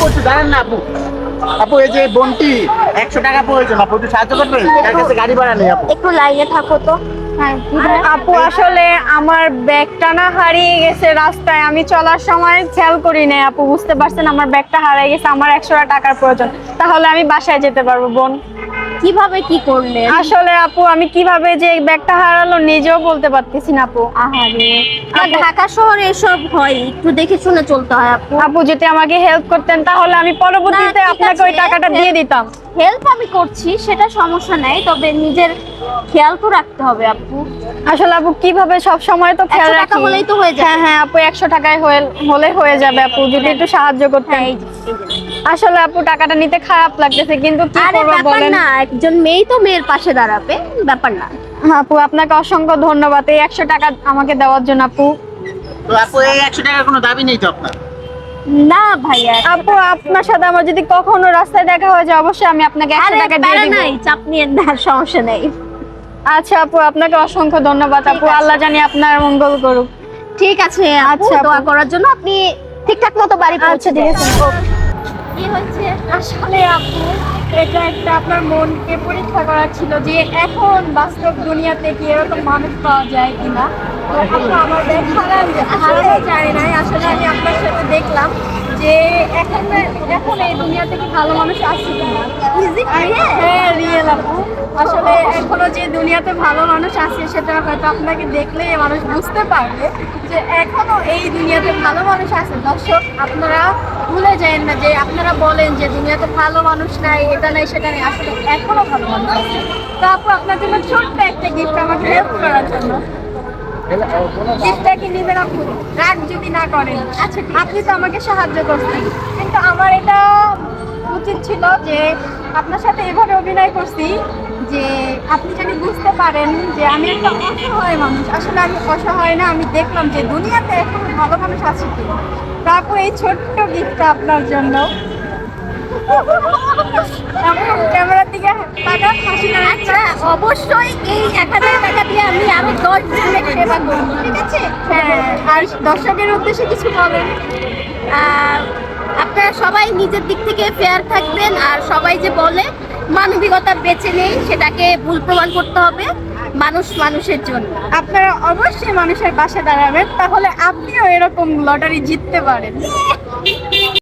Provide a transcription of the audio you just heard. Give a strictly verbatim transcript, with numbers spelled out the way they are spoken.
আপু একটু দাঁড়ান না আপু। আপু এই যে বোনটি একশো টাকা প্রয়োজন, আপু একটু সাহায্য করবেন? তার কাছে গাড়ি ভাড়া নেই আপু। একটু লাইনে থাকো তো। হ্যাঁ আপু আসলে আমার ব্যাগটা না হারিয়ে গেছে রাস্তায়, আমি চলার সময় খেয়াল করি নাই আপু, বুঝতে পারছেন আমার ব্যাগটা হারিয়ে গেছে, আমার একশো টাকার প্রয়োজন, তাহলে আমি বাসায় যেতে পারবো বোন। কিভাবে কি করলে? আসলে আপু আমি কিভাবে যে এই ব্যাগটা হারালো নিজেও বলতে পারতেছি না আপু। আহারে, আর ঢাকা শহরে এসব হয়, একটু দেখে শুনে চলতে হয় আপু। আপু যদি আমাকে হেল্প করতেন তাহলে আমি পরবর্তীতে না, ঠিক আপনাকে ওই আছে। টাকাটা দিয়ে দিতাম। হেল্প আমি করছি, সেটা সমস্যা নাই, তবে নিজের খেয়াল তো রাখতে হবে আপু। আসলে আপু কিভাবে সব সময় তো খেয়াল একশো টাকা রাখি। হলেই তো হয়ে যাবে। হ্যাঁ হ্যাঁ আপু একশো টাকায় হয়ে- হলে হয়ে যাবে আপু, যদি একটু সাহায্য করতেন। হ্যাঁ, এই যে, এই যে। আসলে আপু টাকাটা নিতে খারাপ লাগতেছে, কিন্তু কি আরে করবো ব্যাপার বলেন। না, একজন মেয়ে তো মেয়ের পাশে দাঁড়াবে, ব্যাপার না। আপু আপনাকে অসংখ্য ধন্যবাদ এই একশো টাকা আমাকে দেওয়ার জন্য আপু। তো আপু এই একশো টাকার কোনো দাবি নেই তো আপনার? না ভাইয়া, আপু আপনার সাথে আমার যদি কখনো রাস্তায় দেখা হয়ে যায় অবশ্যই আমি আপনাকে একশো আরে টাকা দিয়ে প্যারা দিব। নাই, চাপ নিয়ে না, সমস্যা নেই। আচ্ছা আপু আপনাকে অসংখ্য ধন্যবাদ ঠিক আপু, আছে। আল্লাহ জানি আপনার মঙ্গল করুক। ঠিক আছে আপু, আচ্ছা, আপু। দোয়া করার জন্য আপনি ঠিকঠাক মতো বাড়ি পৌঁছে আচ্ছা, ঠিক দেন। আছে। কি হয়েছে? আসলে আপু এটা একটা আপনার মনকে পরীক্ষা করা ছিল যে এখন বাস্তব দুনিয়াতে কি এরকম মানুষ পাওয়া যায় কিনা। তো আপু আমার ব্যাগ হারানো হারানো যায় নাই, আসলে আমি আপনার সাথে দেখলাম যে এখন এখন এই দুনিয়াতে কি ভালো মানুষ আছে কিনা। হ্যাঁ রিয়েল আপু, আসলে এখনো যে দুনিয়াতে ভালো মানুষ আছে সেটা হয়তো আপনাকে দেখলে মানুষ বুঝতে পারবে যে এখনো এই দুনিয়াতে ভালো মানুষ আছে। দর্শক আপনারা ভুলে যায় না যে আপনারা বলেন যে দুনিয়াতে ভালো মানুষ নাই, এটা নাই সেটা নেই, আসলে এখনো ভালো মানুষ আছে। তো আপু আপনার জন্য ছোট্ট একটা গিফট আমাকে হেল্প করার জন্য। গিফটটা কি নেবেন আপু? রাগ যদি না করেন। আচ্ছা আপনি তো আমাকে সাহায্য করছেন, কিন্তু আমার এটা উচিত ছিল যে আপনার সাথে এভাবে অভিনয় করছি যে আপনি যদি বুঝতে পারেন যে আমি একটা অসহায় মানুষ। আসলে আমি অসহায় না, আমি দেখলাম যে দুনিয়াতে এখন ভালো মানুষ আছে কি। তারপর এই ছোট্ট গিফটটা আপনার জন্য। এমন ক্যামেরার দিকে তাকান, হাসি না। আচ্ছা, অবশ্যই এই এক হাজার টাকা দিয়ে আমি আরো দশ জনের সেবা করব, ঠিক আছে? হ্যাঁ, আর দর্শকের উদ্দেশ্যে কিছু বলেন। আহ, আপনারা সবাই নিজের দিক থেকে ফেয়ার থাকবেন, আর সবাই যে বলে মানবিকতা বেঁচে নেই, সেটাকে ভুল প্রমাণ করতে হবে। মানুষ মানুষের জন্য। আপনারা অবশ্যই মানুষের পাশে দাঁড়াবেন, তাহলে আপনিও এরকম লটারি জিততে পারেন।